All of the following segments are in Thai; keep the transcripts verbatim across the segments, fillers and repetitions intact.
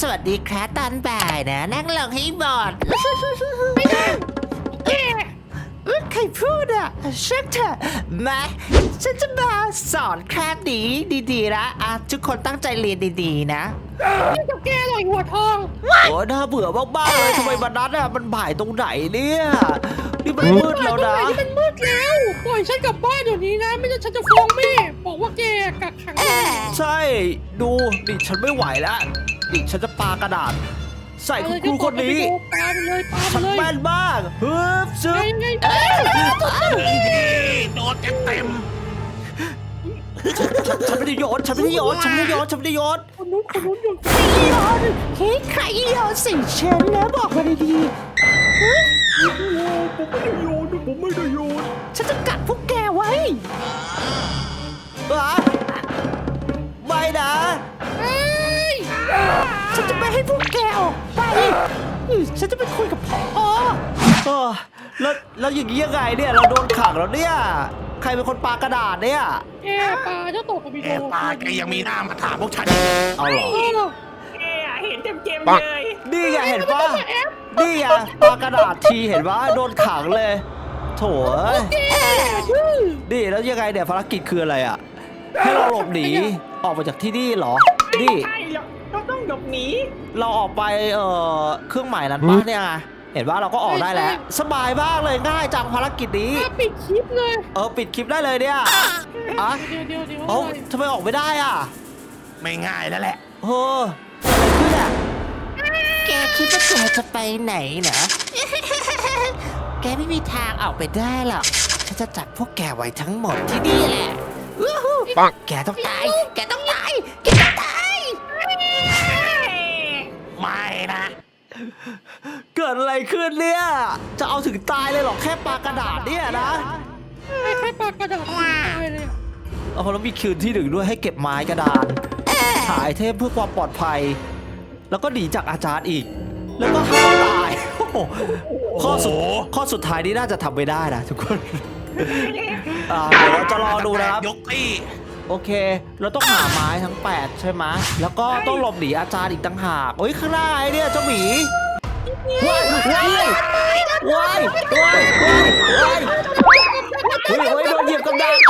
สวัสดีครับตอนบ่ายนะนั่งลงให้หมดใครพูดอ่ะเช็คเถอะมาฉันจะมาสอนคราบนี้ดีๆนะอ่ะทุกคนตั้งใจเรียนดีๆนะนี่กับแกหน่อยหัวทองโอ้น่าเบื่อมากๆเลยทำไมวันนั้นอ่ะมันบ่ายตรงไหนเนี่ยนี่มันมืดแล้วนะมันมืดแล้วปล่อยฉันกลับบ้านเดี๋ยวนี้นะไม่งั้นฉันจะฟ้องแม่บอกว่าแกกักขังใช่ดูดิฉันไม่ไหวแล้วดิฉันจะปากระดาษใส่คุณครูคนนี้ปาไปเลยปาไปฉันเลยแม่นมากฮึบซึบโดนเต็มเต็มฉันไม่ได้โยนฉันไม่ได้โยนฉันไม่ได้โยนฉันไม่ได้โยนคนนู้นคนนู้นอยู่ใครโยนเฮ้ยใครโยนสิฉันนะบอกมาดีๆผมไม่ได้โยนผมไม่ได้โยนฉันจะกัดพวกแกไว้ไม่นะฉันจะไม่ให้พวกแกออกไปฉันจะไปคุยกับพ่อแล้วแล้วอย่างนี้ยังไงเนี่ยเราโดนขังแล้วเนี่ยใครเป็นคนปากระดาษเนี่ยแกปาเจ้าตกกับพี่โดแกปาแกยังมีหน้ามาถามพวกฉันเอาเหรอแกเห็นเต็มเต็มเลยนี่ไงเห็นปะนี่ไงปากระดาษทีเห็นปะโดนขังเลยโถ่นี่แล้วยังไงเนี่ยภารกิจคืออะไรอ่ะให้เราหลบหนีออกมาจากที่นี่เหรอนี่เราต้องหลบหนีเราออกไปเอ่อเครื่องหมายนั้นปะเนี่ยเห็นว่าเราก็ออกได้แล้วสบายมากเลยง่ายจังภารกิจนี้ปิดคลิปเลยเออปิดคลิปได้เลยเนี่ยอ่ะเดี๋ยวเดี๋ยวเดี๋ยวเอ้าทำไมออกไม่ได้อ่ะไม่ง่ายแล้วแหละเฮ้ออะไรขึ้นอ่ะแกคิดว่าแกจะไปไหนนะแกไม่มีทางออกไปได้หรอกฉันจะจับพวกแกไว้ทั้งหมดที่นี่แหละปังแกต้องตายแกต้องตายแกต้องตายไม่นะเกิดอะไรขึ้นเนี่ยจะเอาถึงตายเลยหรอแค่ปากระดาษเนี่ยนะแค่ปากระดาษตายเลยเอาแล้วมีคืนที่หนึ่งด้วยให้เก็บไม้กระดานถ่ายเทพเพื่อความปลอดภัยแล้วก็หนีจากอาจารย์อีกแล้วก็ห้ามตายข้อสุดข้อสุดท้ายนี้น่าจะทำไม่ได้นะทุกคนเดี๋ยวเราจะรอดูนะครับยกที่โอเคเราต้องหาไม้ทั้งแปดใช่ไหมแล้วก็ต้องหลบหนีอาจารย์อีกต่างหากโอ้ยข้างหน้าไอ้เนี่ยเจ้าหมีว้ายว้ายว้ายว้ายว้ายเฮ้ยเฮ้ยโดนเหยียบกับดัก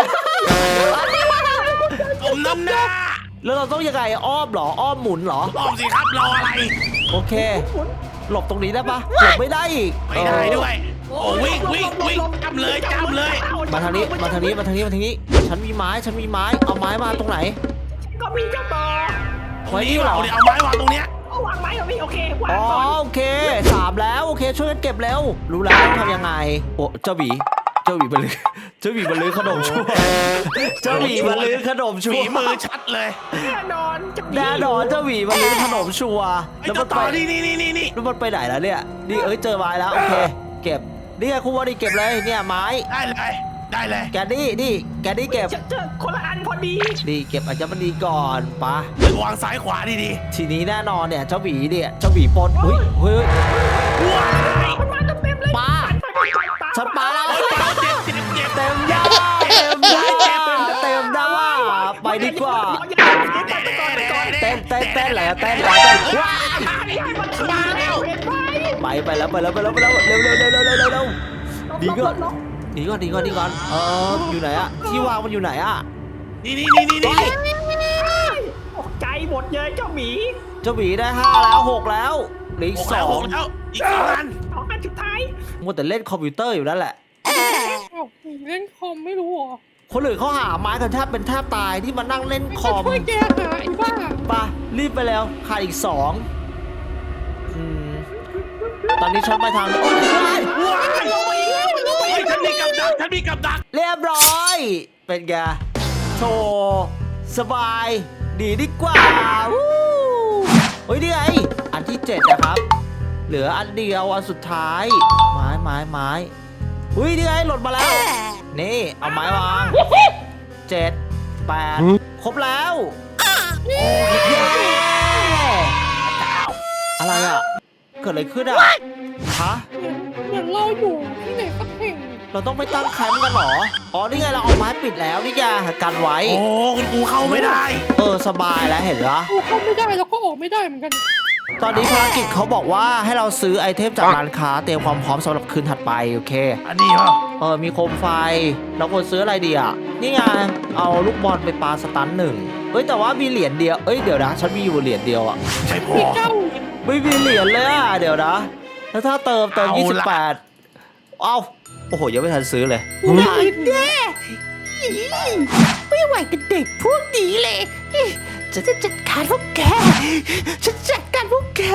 ผมน้ำหน้าแล้วเราต้องยังไงอ้อมเหรออ้อมหมุนเหรออ้อมสิครับรออะไรโอเคหลบตรงนี้ได้ปะหลบไม่ได้อีกไม่ได้ด้วยโอ้วิ่งวิ่งวิ่งจำเลยจำเลยมาทางนี้มาทางนี้มาทางนี้มาทางนี้ฉันมีไม้ฉันมีไม้เอาไม้มาตรงไหนก็มีเจ้าต่อไว้นี่เหรอเอาไม้วางตรงเนี้ยเอาวางไม้ตรงนี้โอเควางอ๋อโอเคสามแล้วโอเคช่วยกันเก็บแล้วรู้แล้วต้องทำยังไงโอ้เจ้าหวีเจ้าหวีบรรลือเจ้าหวีบรรลือขนมชั่วเจ้าหวีบรรลือขนมชั่วมือชัดเลยแน่นอนแน่นอนเจ้าหวีบรรลือขนมชัวแล้วมันไปนี่นี่นี่นี่นี่แล้วมันไปไหนแล้วเนี่ยนี่เอ้ยเจอไม้แล้วโอเคเก็บนี่ไงคุณวอดีเก็บเลยเนี่ยไม้ได้เลยได้เลยแกนี่นี่แกนี่เก็บเจอคนละอันพอดีนี่เก็บอาจจะมันดีก่อนปะวางซ้ายขวาดีดีทีนี้แน่นอนเนี่ยเจ้าหวีเนี่ยเจ้าหวีปนเฮ้ยเฮ้ยว้ายมันมาเต็มเลยปาฉันปาแล้วเต็มยาเต็มยาเต็มดาไปดีกว่าเต้นเต้นเต้นแหละเต้นเต้นว้าไปไปแล้วไปแล้วไปแล้วไปแล้วเร็วเร็วเร็วเร็วเร็วเร็วดีก่อนดีก่อนดีก่อนดีก่อนเอออยู่ไหนอะที่วางมันอยู่ไหนอะนี่นี่นี่นี่นี่ตกใจหมดเลยเจ้าหมีเจ้าหมีได้ห้าแล้วหกแล้วเหลืออีกสองแล้วอีกสองอันสองอันสุดท้ายมัวแต่เล่นคอมพิวเตอร์อยู่นั่นแหละเล่นคอมไม่รู้หรอคนอื่นเขาหาไม้กันแทบเป็นแทบตายที่มานั่งเล่นคอมช่วยแกหาไอ้บ้าปะรีบไปแล้วขาดอีกสองตอนนี้ฉันไปทางโอ้ยว้ายฉันมีกับดักฉันมีกับดักเรียบร้อยเป็นไงโชว์สบายดีดีกว่าวู้เฮ้ยนี่ไงอันที่เจ็ดนะครับเหลืออันเดียวอันสุดท้ายไม้ไม้ไม้อุ้ยนี่ไงหล่นมาแล้วนี่เอาไม้วางเจ็ดแปดครบแล้วเย้อะไรอ่ะเกิดอะไรขึ้นอ่ะฮะเหมือนเราอยู่ที่ไหนสักแห่งเราต้องไปตั้งแคมป์กันเหรออ๋อนี่ไงเราเอาไม้ปิดแล้วนี่ไงกันไว้โอ้คุณครูเข้าไม่ได้เออสบายแล้วเห็นเหรอครูเข้าไม่ได้แล้วก็ออกไม่ได้เหมือนกันตอนนี้ภารกิจเขาบอกว่าให้เราซื้อไอเทมจากร้านค้าเตรียมความพร้อมสำหรับคืนถัดไปโอเคอันนี้เหรอเออมีโคมไฟเราควรซื้ออะไรดีอ่ะนี่ไงเอาลูกบอลไปปาสตันหนึ่งเอ้ยแต่ว่ามีเหรียญเดียวเอ้ยเดี๋ยวนะฉันมีอยู่เหรียญเดียวอ่ะใช่พอพี่เจ้าไม่มีเหรียญเลยอ่ะเดี๋ยวนะแล้วถ้าเติมเติมเอาละยี่สิบแปดเอ้าโอ้โหยังไม่ทันซื้อเลยผู้ได้ยินแย่ไม่ไหวกับเด็กพวกนี้เลยฉันจะจัดการพวกแกฉันจัดการพวกแก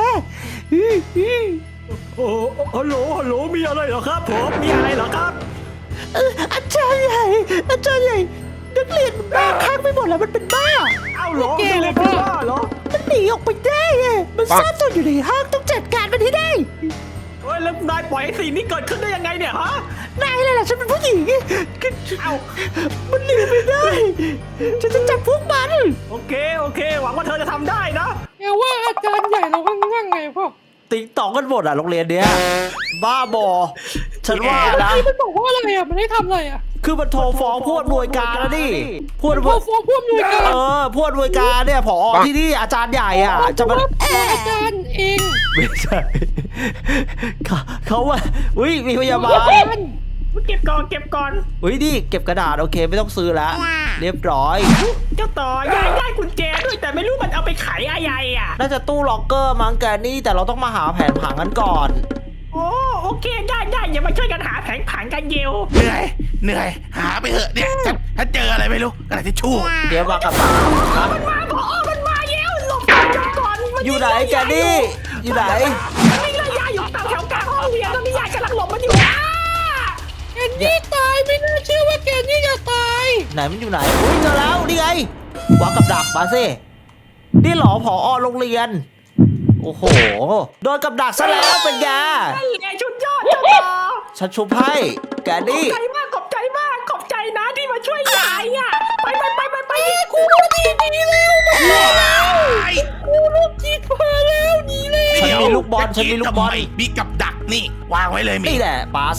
โอ้ฮัลโหลฮัลโหลมีอะไรเหรอครับผมมีอะไรเหรอครับเอออาจารย์ใหญ่อาจารย์ใหญ่นักเรียนมันบ้าข้างไปหมดแล้วมันเป็นบ้าเอ้าเหรอมีอะไรเป็นบ้าเหรอมันหนีออกไปได้อะมันซ่อนตัวอยู่ในห้างต้องจัดการมันให้ได้เฮ้ยแล้วนายปล่อยให้สิ่งนี้เกิดขึ้นได้ยังไงเนี่ยฮะนายอะไรล่ะฉันเป็นผู้หญิงเอ้ามันหนีไม่ได้ฉันจะจับพวกมันโอเคโอเค หวังว่าเธอจะทำได้นะแกว่าอาจารย์ใหญ่เราง่างๆไงพ่อติ๊งตองกันหมดอ่ะโรงเรียนเนี้ยบ้าบอฉันว่านะที่มันบอกว่าอะไรอ่ะมันได้ทำอะไรอ่ะคือมันโทรฟ้องผู้อำนวยการแล้วดิผู้อำนพวอย ฟ้องผู้อำนวยการเออผู้อำนวยการเนี่ยผอที่นี่อาจารย์ใหญ่อ่ะจะมาว่าอาจารย์เองไม่ใช่เขาเขาว่าอุ้ยมีพยาบาลเก็บก่อนเก็บก่อนอุ้ยนี่เก็บกระดาษโอเคไม่ต้องซื้อแล้ว เรียบร้อยเจ้าต่อยายได้กุญแจด้วยแต่ไม่รู้มันเอาไปไขอะไรอ่ะน่าจะตู้ล็อกเกอร์มั้งแกนี่แต่เราต้องมาหาแผนผังกันก่อนโอ้โอเคได้ได้อย่ามาช่วยกันหาแผงผังกันเยวเหนื่อยเหนื่อยหาไปเถอะเนี่ยถ้าถ้าเจออะไรไม่รู้กระดาษทิชชู่เดี๋ยวมากับตันครับมันมาพอมันมาเยวหลบก่อนหลบก่อนมันอยู่ไหนแกนี่อยู่ไหนมันวิ่งไล่ยายอยู่แถวกลางห้องเรียนแล้วมียายกำลังหลบมันอยู่อ่ะแกนี่ตายไม่น่าเชื่อว่าแกนี่จะตายไหนมันอยู่ไหนอุ้ยเจอแล้วนี่ไงวางกับดักมาสินี่เหรอผอโรงเรียนโอ้โหโดนกับดักซะแล้วเป็นไงนั่นแหละชุดยอดเจ้าต่อฉันชุบให้แกขอบนี่ใจมากขอบใจมากขอบใจนะที่มาช่วยยายอ่ะไปไปไปไปไปกูดีดีแล้วว้ายกูลูกจิตพาแล้วหนีเลยฉันมีลูกบอลฉันมีลูกบอลทำไมีกับดักนี่วางไว้เลยมีนี่แหละปาใส่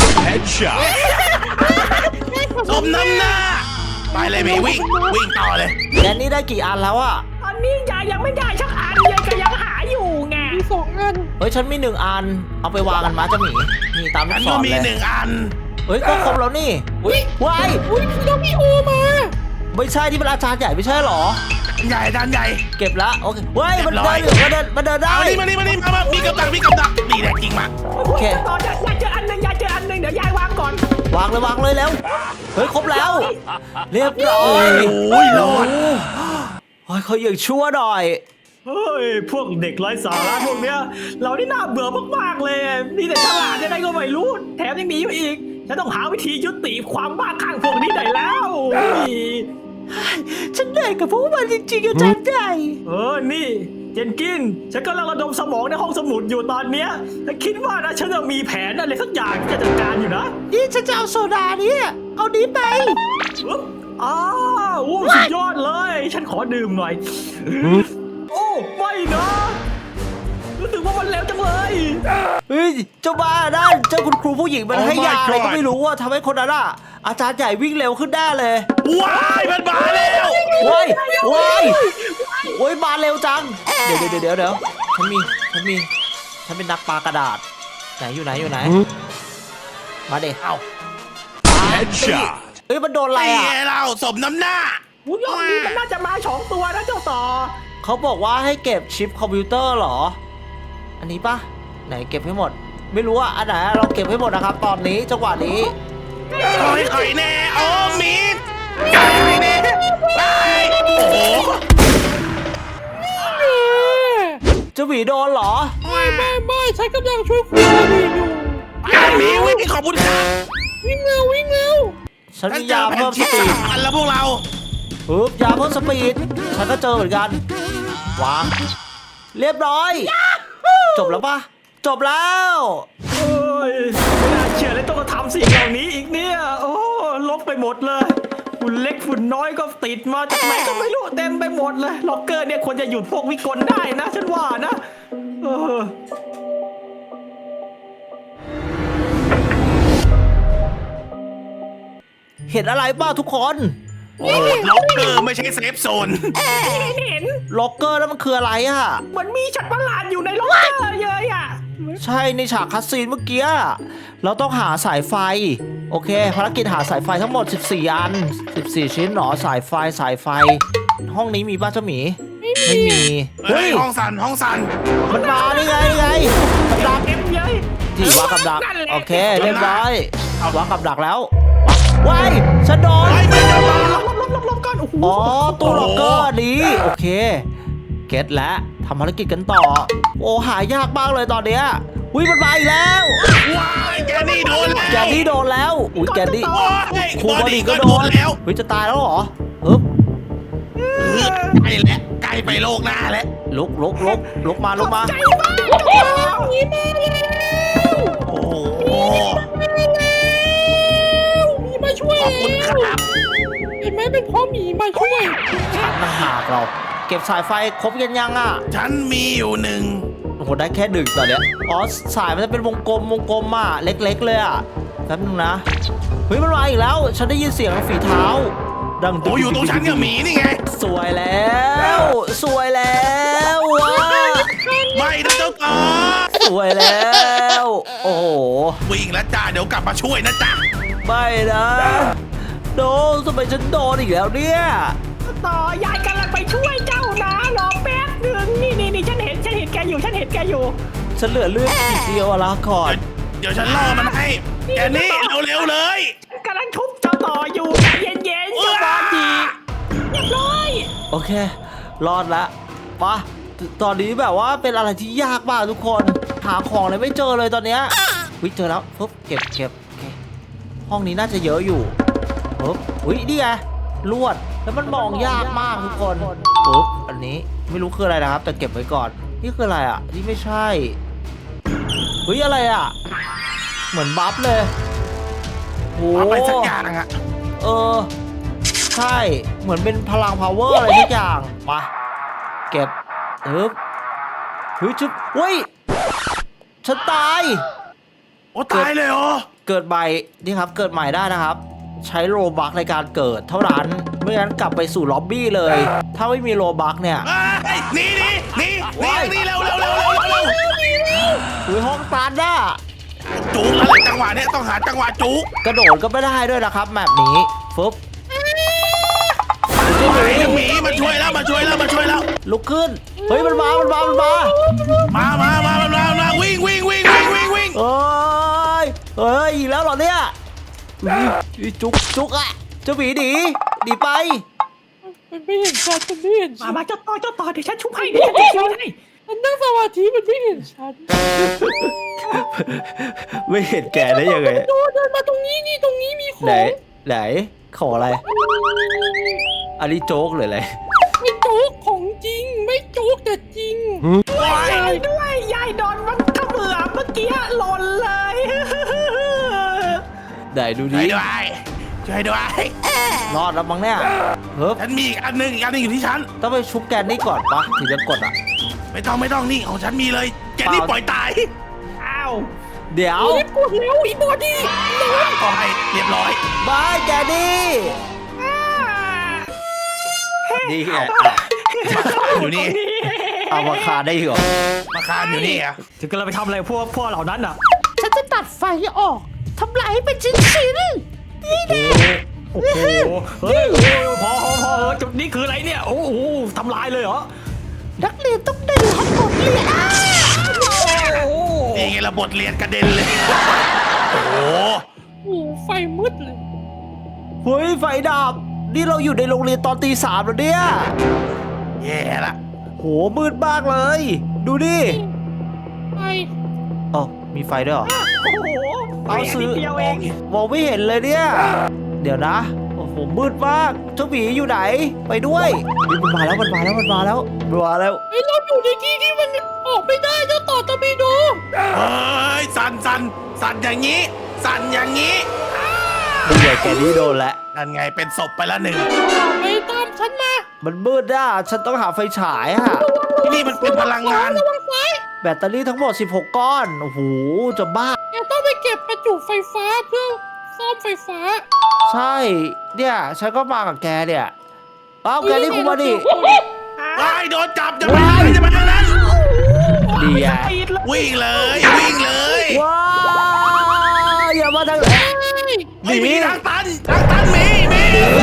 สมน้ำหน้าไปเลยมีวิ่งวิ่งต่อเลยแกนี่ได้กี่อันแล้วอะตอนนี้ยายยังไม่ได้ชักอันยายก็ยังหาอยู่ไงมีสองอันเฮ้ยฉันมีหนึ่งอันเอาไปวางกันมาเจ้าหมีนี่ตามลูฉักนศก็รมีเลยหนึ่งอันเฮ้ยก็ครบแล้วนี่อุ้ยว้ายอุ้ยพี่น้องพี่โอมาไม่ใช่ที่เป็นอาจารย์ใหญ่ไม่ใช่หรอใหญ่ด้านใหญ่เก็บละโอเคเฮ้ยมันเรียบร้เดิอยนมันเดินมันเดินได้เอานี่มานี่มานี่มามามีกับดักมีกับดักนี่แหละจริงมาโอเคต่อยายยายเจออันหนึ่งยายเจออันหนึ่งเดี๋ยวยายวางก่อนวางเลยวางเลยแล้วเฮ้ยครบแล้ว เรียบร้อยโอ้ยรอดโอ้ยเขาอย่างชั่วหน่อยเฮ้ยพวกเด็กไร้สาระพวกเนี้ยเรานี่น่าเบื่อมากๆเลยนี่แต่ฉลาดยังไงก็ไม่รู้แถมยังหนีไปอีกฉันต้องหาวิธียุติความบ้าคลั่งพวกนี้หน่อยแล้วเฮ้ยฉันเหนื่อยกับพวกมันจริงๆอาจารย์ใหญ่เออนี่เจนกินฉันกำลังระดมสมองในห้องสมุดอยู่ตอนเนี้ยแต่คิดว่านะฉันจะมีแผนอะไรสักอย่างที่จะจัดการอยู่นะนี่ฉันจะเอาโซดาเนี่ยเอานี้ไปอุ๊บอ้าวโอ้สุดยอดเลย ฉันขอดื่มหน่อย โอ้ไม่นะรู้สึกว่ามันเร็วจังเลยเฮ้ยเจ้าบ้าด้านเจ้าคุณครูผู้หญิงมัน Oh ให้ my ยาอะไรก็ God ไม่รู้ว่าทำให้คนนั้นอะอาจารย์ใหญ่วิ่งเร็วขึ้นได้เลยว้ายมันมาแล้วโว้ยโว้ยโว้ยมาเร็วจัง เดี๋ยวเดี๋ยวเดี๋ยวเดี๋ยวฉันมี ฉันมี ฉันเป็นนักปากระดาษ ไหนอยู่ไหนอยู่ไหน มาเด็กเอาเอ้ยมันโดนอะไรไอ้อ่ะเราสมน้ำหน้าหูยอดนี้มันน่าจะมาสองตัวนะเจ้าต่อเขาบอกว่าให้เก็บชิปคอมพิวเตอร์เหรอ อันนี้ปะไหนเก็บให้หมด ไม่รู้ว่าอันไหนเราเก็บให้หมดนะครับ ตอนนี้จังหวะนี้คอยคอยแน่โอ้มีดคอยแน่ไปโอ้โหเจ้าหวีโดนเหรอไม่ไม่ไม่ฉันกำลังช่วยคุณดีอยู่ไปมีวิ่งขอบคุณค่ะวิ่งเร็ววิ่งเร็วฉันฉันมีเจยาอแผ่เพิ่นมสชิปปีสาดมอันแล้วพวกเราปึ๊บยาเพิ่มสปีด ฉันก็เจอเหมือนกัน วาง เรียบร้อย จบแล้วปะจบแล้วเอ้ยไม่น่าเชื่อเลยต้องมาทำสิ่งเหล่านี้อีกเนี่ย โอ้ลบไปหมดเลยฝุ่นเล็กฝุ่นน้อยก็ติดมาจากไหนก็ไม่รู้เต็มไปหมดเลย ล็อกเกอร์เนี่ยควรจะหยุดพวกวิกลได้นะ ฉันว่านะ เออเห็นอะไรบ้างทุกคนโอ้ล็อกเกอร์ไม่ใช่เซฟโซนเห็นล็อกเกอร์แล้วมันคืออะไรอ่ะเหมือนมีฉัดประหลาดอยู่ในล็อกเกอร์เลยอ่ะใช่ในฉากคัสซีนเมื่อกี้เราต้องหาสายไฟโอเคภารกิจหาสายไฟทั้งหมดสิบสี่อันสิบสี่ชิ้นหรอสายไฟสายไฟ ห้องนี้มีป้าเจ้าหมีไม่มีเฮ้เฮ้ยยห้องสันห้องสันมันมาได้ไงได้ไงกับดักเต็มเลยที่วางกับดักนั่นแหละโอเคเรียบร้อย วางกับดักแล้วว้ายฉันโดนไอ้ไม่จะมาลบลบลบลบก่อนโอ้โหอ๋อตู้ล็อกเกอร์นี้โอเคเก็ตแล้วทำภารกิจกันต่อ โอ้หายากมากเลยตอนเนี้ยอุ้ยมันมาอีกแล้วว้ายแกนี่โดนแล้วแกนนี่โดนแล้วอุ้ยแกนนี่โอ้ยครูบอดีก็โดนแล้วเฮ้ยจะตายแล้วเหรอฮึบใกล้แล้วใกล้ไปโลกหน้าแล้วลุกลุกลุกลุกมาลุกมาใจมากหนีมาแล้วโอ้โหหมีมาช่วยขอบคุณคแล้วรับเห็นไหมเป็นเพ่อหมีมาช่วยฉันต่างหากเรา เก็บสายไฟครบกันยังอ่ะฉันมีอยู่หนึ่งโอ้โหได้แค่หนึ่งตอนเนี้ยอ๋อสายมันจะเป็นวงกลมวงกลมอ่ะเล็กๆเลยอ่ะแป๊บนึงนะเฮ้ยมันมาอีกแล้ว ฉันได้ยินเสียงฝีเท้า ดังโอ้อยู่ตรงฉันกับหมีนี่ไงสวยแล้ว สวยแล้วว้าไม่นะเจ้าต่อสวยแล้ว โอ้โหวิ่งแล้วจ้าเดี๋ยวกลับมาช่วยนะจ๊ะไม่นะโดนทำไมฉันโดนอีกแล้วเนี่ยต่อยายกำลังไปช่วยเจ้านะรอแป๊บหนึ่งนี่นี่นี่ฉันเห็นฉันเห็นแกอยู่ฉันเห็นแกอยู่ฉันเหลือเลือดนิดเดียวอะละก่อนเดี๋ยวฉันล่อมันให้แกนี่เร็วๆเลยกำลังทุบเจ้าต่ออยู่ใจเย็นๆเจ้าบอดีเรียบร้อยโอเค รอดละปะตอนนี้แบบว่าเป็นอะไรที่ยากมากทุกคน หาของเลยไม่เจอเลยตอนเนี้ยวิเจอแล้วปุ๊บเก็บเก็บโอเคห้องนี้น่าจะเยอะอยู่ปุ๊บอุ้ยนี่ไงลวดแล้วมันมองยากมากทุกคนปุ๊บอันนี้ไม่รู้คืออะไรนะครับ แต่เก็บไว้ก่อนนี่คืออะไรอ่ะนี่ไม่ใช่เฮ้ยอะไรอ่ะ เหมือนบัฟเลยโอ้เอาไปสักอย่างอะเออใช่เหมือนเป็นพลัง power อะไรทุกอย่างมาเก็บเอ๊บเฮ้ยชุบเฮ้ยฉันตายโอ้ตายเลยเหรอเกิดใหม่นี่ครับเกิดใหม่ได้นะครับ ใช้โลบัคในการเกิดเท่านั้นไม่งั้นกลับไปสู่ล็อบบี้เลย ถ้าไม่มีโลบัคเนี่ยเอ้ยหนี่นี่นี่นี่นี่เร็วเร็วเร็วเร็วเร็วอุ้ยห้องตันน่ะจุกอะไรจังหวะเนี้ยต้องหาจังหวะจุกกระโดดก็ไม่ได้ด้วยนะครับแบบนี้ฟึบไอ้หมีมาช่วยแล้วมาช่วยแล้วมาช่วยแล้วลุกขึ้นเฮ้ยมันมามันมามันมามามามามามามาวิ่งวิ่งวิ่งวิ่งวิ่งวิ่งเอ้ยเอ้ยอีกแล้วเหรอเนี่ยอุ๊ยจุกจุกอะเจ้าหมีหนีหนีไปมันไม่เห็นฉันมันไม่เห็นมาฉันมาเจ้าต่อเจ้าต่อเดี๋ยวฉันชุบให้เดี๋ยวฉันชุบให้มันนั่งสมาธิมันไม่เห็นฉันไม่เห็นแกได้ยังไงโดนเดินมาตรงนี้นี่ตรงนี้มีขไหนองไหนขออะไร อันนี้โจ๊กหรืออะไรไม่โจ๊กของจริง ไม่โจ๊กแต่จริงยายด้วยยายโดนมันเขมือบเมื่อกี้หล่นเลยไหนดูช่ดิวยด้วยช่วยด้วยรอดแล้วมั้งเนี่ยเฮ้ยฉันมีอีกอันหนึงอีกอันหนึงอยู่ที่ฉันต้องไปชุบแกนนี่ก่อนปะถึงจะกดอ่ะไม่ต้องไม่ต้องนี่ของฉันมีเลยแกนี่ปล่อยตายอ้าวเดี๋ยวเอาปวดแล้วอีบอดี้ก็ให้เรียบร้อยบายแกนนี่นี่ไงอยู่นี่เอามาคาได้เหรอมาคานอยู่นี่อ่ะถึงกันเราไปทำอะไรพวกพวกเหล่านั้นอ่ะฉันจะตัดไฟออกทำลายให้เป็นชิ้นชิ้นๆนี่แน่โอ้โหเฮ้ยโอ้ยพอพอพอเออจุดนี้คืออะไรเนี่ยโอ้โหทำลายเลยเหรอนักเรียนต้องได้รับบทเรียนอ้าโอ้โหนี่ไงระบทเรียนกระเด็นเลย โอ้โหโอ้โหไฟมืดเลยเฮ้ยไฟดับ นี่เราอยู่ในโรงเรียนตอนตีสามแล้วเนี่ยแย่ละโหมืดมากเลย ดูดิไฟอ๋อมีไฟด้วยเหรอโอ้โหเอาซื้อนิดเดียวเองมองไม่เห็นเลยเนี่ย เดี๋ยวนะ โอ้โห มืดมาก เจ้าหมีอยู่ไหน ไปด้วยนี่มันมาแล้ว มันมาแล้ว มันมาแล้วมันมาแล้วเฮ้ยเราอยู่ในที่ที่มันออกไม่ได้เจ้าต่อตะบีโดเฮ้ยสั่นสั่นสั่นอย่างนี้ สั่นอย่างนี้นี่ไงแกนี่โดนแล้วนั่นไงเป็นศพไปแล้วหนึ่งไปตามฉันมามันมืดอ่ะ ฉันต้องหาไฟฉายอ่ะนี่มันเป็นพลังงานระวังไฟแบตเตอรี่ทั้งหมดสิบหกก้อน โอ้โห จะบ้าแกต้องไปเก็บประจุไฟฟ้าเพื่อซ่อมไฟฟ้าใช่ เนี่ย ฉันก็มากับแกเนี่ยเอ้าแกนี่คุณมาดิไอ้โดนจับจะไปไหนจะไปทางนั้นดีอ่ะปิดเลยวิ่งเลยวิ่งเลยว้าวอย่ามาทางไหนไม่มีทางตันทางตันมีมี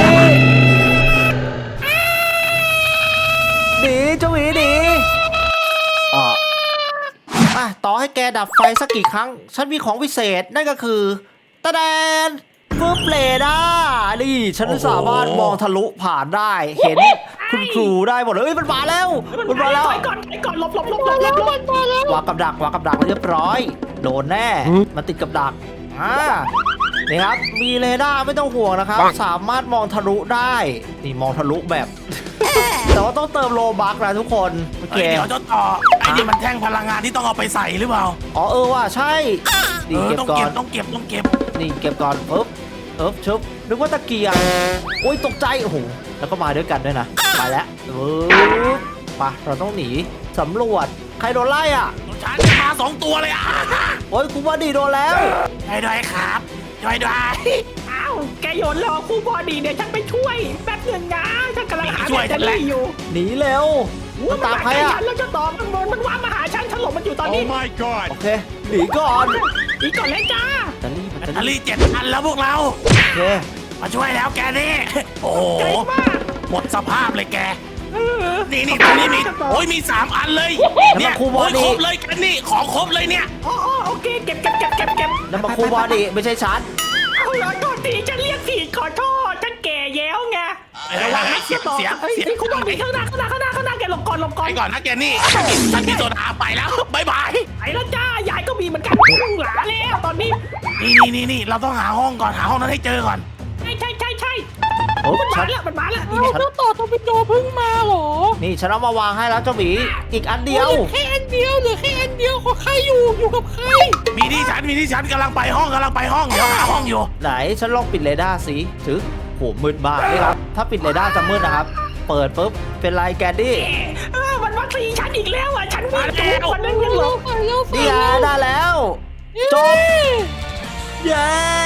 หนีเจ้าหมีหนีอ่ะอ่ะต่อให้แกดับไฟสักกี่ครั้ง ฉันมีของพิเศษนั่นก็คือตะแดนฟึบเลด้านี่ฉันสามารถมองทะลุผ่านได้ เห็นคุณครูได้หมดเลยเอ้ยมันมาแล้วมันมาแล้วถอยก่อนถอยก่อนหลบหลบหลบหลมาบหลแล้วบหลมับนมาแล้ววางกับดักวางกับดักเรียบร้อย โดนแน่ มันติดกับดักอ่านี่ครับ มีเรดาร์ไม่ต้องห่วงนะครับ สามารถมองทะลุได้ นี่มองทะลุแบบ แต่ว่าต้องเติมโลบักนะทุกคน โอเคเฮ้ยเดี๋ยวเจ้าต่อไอ้นี่มันแท่งพลังงานที่ต้องเอาไปใส่หรือเปล่าอ๋อเออว่ะใช่เอนี่อเก็บต้องก่อเก็นบต้องเก็บต้องเก็บนี่เก็บก่อนปึ๊บปึ๊บชุบนึกว่าตะเกียงโอ้ยตกใจ โอ้โห แล้วก็มาด้วยกันด้วยนะ ไปแล้วปึ๊บไปเราต้องหนีสำรวจ ใครโดนไล่อ่ะฉันจะมาสองตัวเลยอ่ะโอ้ยกูว่าดีโดนแล้วช่วยด้วยครับช่วยด้วยอ้าวแกโยนรอคู่พอดีเดี๋ยวฉันไปช่วยแป๊บหนึ่งนะฉันกำลังหาช่วยแบตเตอรี่อยู่หนีเร็ว มันตามใครอ่ะแล้วจะต่อมันมันมันว่ามาหาฉันฉันหลบมันอยู่ตอนนี้ my god โอเค หนีก่อนอีกก่อนเลยจ้าแบตเตอรี่แบตแบเตตอเตอรี่รี่เจ็ดอันแล้วพวกเราโอเคมาช่วยแล้วแกนี่โอ้โหใจมากหมดสภาพเลยแกเออนี่นี่ตรงนี้มีโอ้ยมีสามอันเลยเนี่ยโอ้ยครบเลยแกนี่ของครบเลยเนี่ยอ๋ออ๋อโอเคเก็บเก็บเก็บเก็บเก็บนั่นมาครูบอดี้ไม่ใช่ฉันเอาเหรอโทษทีฉันเรียกผิดขอโทษฉันแก่แล้วไงระวังนะเสียเสียเฮ้ยเสียไอ้คุณบอกข้างหน้าข้างหน้าข้างหน้าข้างหน้าแกหลบก่อนหลบก่อนไปก่อนนะแกนี่ฉันกินฉันกินโซดาไปแล้วบายบายไปแล้วจ้ายายก็มีเหมือนกันพุ่งหลาแล้วตอนนี้นี่นี่นี่นี่เราต้องหาห้องก่อนหาห้องนั้นให้เจอก่อนใช่ใช่ใช่ใช่โอ้มันฉัมาน แล้วมันมาแล้วเอาเจ้าต่อทวินโดเพิ่งมาเหรอนี่ฉันเอามาวางให้แล้วเจ้าหมี อีกอันเดียวเหลือแค่อันเดียวเหลือแค่อันเดียวของใครอยู่อยู่กับใครมีที่ฉันมีที่ฉันกำลังไปห้องกำลังไปห้องเดี๋ยวหาห้องอยู่ไหนฉันลองปิดเรดาร์สิถือโหมืดมากนี่ครับ ถ้าปิดเรดาร์จะมืดนะครับ เปิดปุ๊บ เป็นไรแกดดี้เออมันวัคซีนฉันอีกแล้วอ่ะฉันวิ่งจูบมันนั่งยังหลเราบไปเราไปนี่ไงได้แล้ว จบ เย้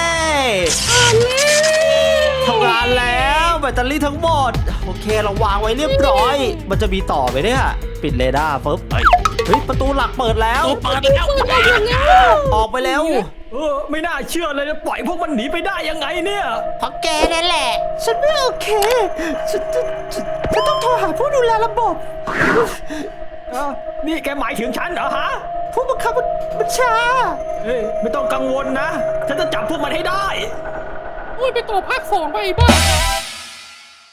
ทำงานแล้วแบตเตอรี่ทั้งหมด โอเคเราวางไว้เรียบร้อย มันจะมีต่อไหมเนี่ย ปิดเรดาร์ปุ๊บเฮ้ยเฮ้ย ประตูหลักเปิดแล้วตู้เปิดแล้วออกไปแล้วเออไม่น่าเชื่อเลยนะปล่อยพวกมันหนีไปได้ยังไงเนี่ยเพราะแกนั่นแหละฉันไม่โอเค ฉันจะฉันฉันต้องโทรหาผู้ดูแลระบบเออนี่แกหมายถึงฉันเหรอฮะผู้บังคับบัญชาเอ้ยไม่ต้องกังวลนะฉันจะจับพวกมันให้ได้โอ้ยไปต่อภาคสองไปบ้า